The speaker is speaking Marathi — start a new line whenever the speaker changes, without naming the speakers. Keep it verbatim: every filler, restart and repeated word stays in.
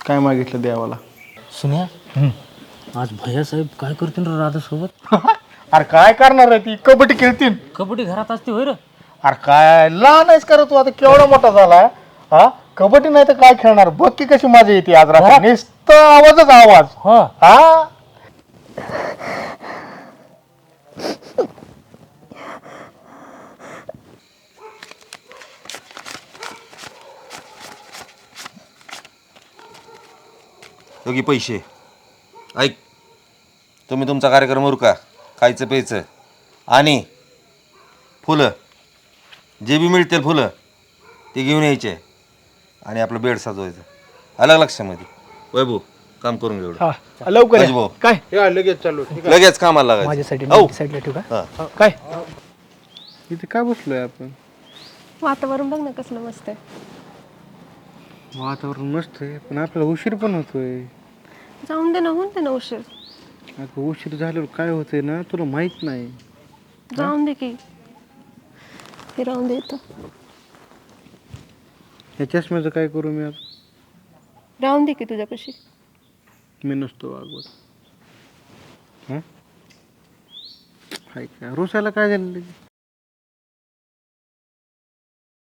काय मागितलं देवाला?
सुन्या आज भैयासाहेब काय करतील रे राधासोबत?
अरे काय करणार आहे ती? कबड्डी खेळतील.
कबड्डी घरात असते होय रे?
अरे काय लहान आहेस करत तू, आता केवढा मोठा झाला. हा कबड्डी नाही तर काय खेळणार? बघ की कशी मजा येते आज रात्री. नुसतं आवाजच आवाज.
हो.
हा
योगी पैसे ऐक, तुम्ही तुमचा कार्यक्रम उरका, खायचं प्यायचं आणि फुलं जे बी मिळतील फुलं ते घेऊन यायचे आणि आपलं बेड सजवायचं. आलं लक्षामध्ये? वैभव काम करून घेऊ.
हा, लवकर
राजू
या.
भाऊ.
काय या, लगेच चालू.
लगेच कामाला लागायचं.
माझ्यासाठी
औ.
साईडला ठेवू का?
हा.
काय इथे काय बसलोय आपण?
वातावरण बघ ना कसलं मस्त आहे.
वातावरण मस्त आहे, पण आपल्याला उशीर पण होतोय.
जाऊन दे ना, होऊन दे ना उशीर.
अगं उशीर झाल्यावर काय होतंय ना तुला माहित नाही.
जाऊन दे की, हे राहून दे इथं.
या चष्म्याचं काय करू मी आता?
राहून दे की तुझ्यापाशी.
मी नसतो वागवत. हां हाय का रुसायला काय झालं?